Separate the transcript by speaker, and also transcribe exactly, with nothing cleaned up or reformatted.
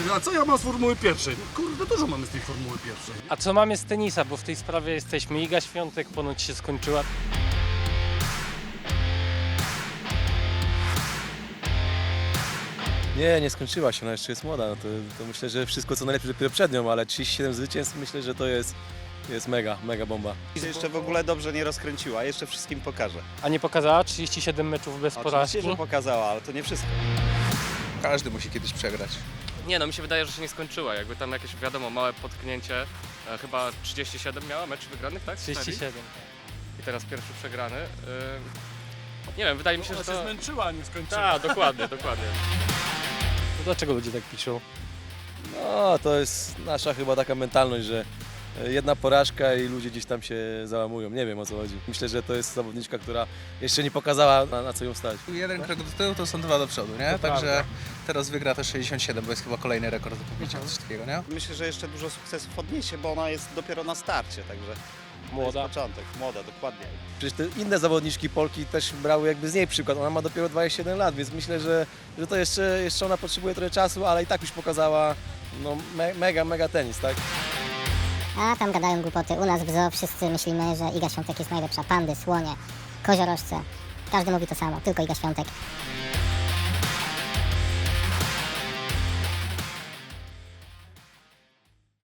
Speaker 1: A co ja mam z Formuły Pierwszej? No kurde, dużo mamy z tej Formuły Pierwszej.
Speaker 2: A co mamy z tenisa, bo w tej sprawie jesteśmy. Iga Świątek ponoć się skończyła.
Speaker 3: Nie, nie skończyła się, ona jeszcze jest młoda. No to, to myślę, że wszystko co najlepsze dopiero przed nią, ale trzydzieści siedem zwycięstw myślę, że to jest, jest mega, mega bomba.
Speaker 4: I jeszcze w ogóle dobrze nie rozkręciła, jeszcze wszystkim pokaże.
Speaker 2: A nie pokazała trzydzieści siedem meczów bez porażki?
Speaker 4: Oczywiście, że pokazała, ale to nie wszystko.
Speaker 5: Każdy musi kiedyś przegrać.
Speaker 6: Nie no, mi się wydaje, że się nie skończyła. Jakby tam jakieś, wiadomo, małe potknięcie. E, chyba trzydzieści siedem miała meczów wygranych, tak?
Speaker 2: trzydzieści siedem.
Speaker 6: I teraz pierwszy przegrany. E, nie wiem, wydaje mi się,
Speaker 1: Ona
Speaker 6: że
Speaker 1: się
Speaker 6: to...
Speaker 1: zmęczyła, a nie skończyła.
Speaker 6: Tak, dokładnie, dokładnie.
Speaker 2: To dlaczego ludzie tak piszą?
Speaker 3: No, to jest nasza chyba taka mentalność, że jedna porażka i ludzie gdzieś tam się załamują. Nie wiem o co chodzi. Myślę, że to jest zawodniczka, która jeszcze nie pokazała na, na co ją stać.
Speaker 5: Jeden krok do tyłu to są dwa do przodu, nie?
Speaker 2: To
Speaker 5: Także
Speaker 2: prawda.
Speaker 5: teraz wygra też sześćdziesiąt siedem, bo jest chyba kolejny rekord do pobicia, coś takiego, nie?
Speaker 4: Myślę, że jeszcze dużo sukcesów odniesie, bo ona jest dopiero na starcie, także to
Speaker 2: Młoda.
Speaker 4: jest początek. Młoda, dokładnie.
Speaker 3: Przecież te inne zawodniczki Polki też brały jakby z niej przykład. Ona ma dopiero dwadzieścia siedem lat, więc myślę, że, że to jeszcze, jeszcze ona potrzebuje trochę czasu, ale i tak już pokazała no, me, mega, mega tenis, tak?
Speaker 7: A tam gadają głupoty. U nas w zoo wszyscy myślimy, że Iga Świątek jest najlepsza. Pandy, słonie, koziorożce. Każdy mówi to samo, tylko Iga Świątek.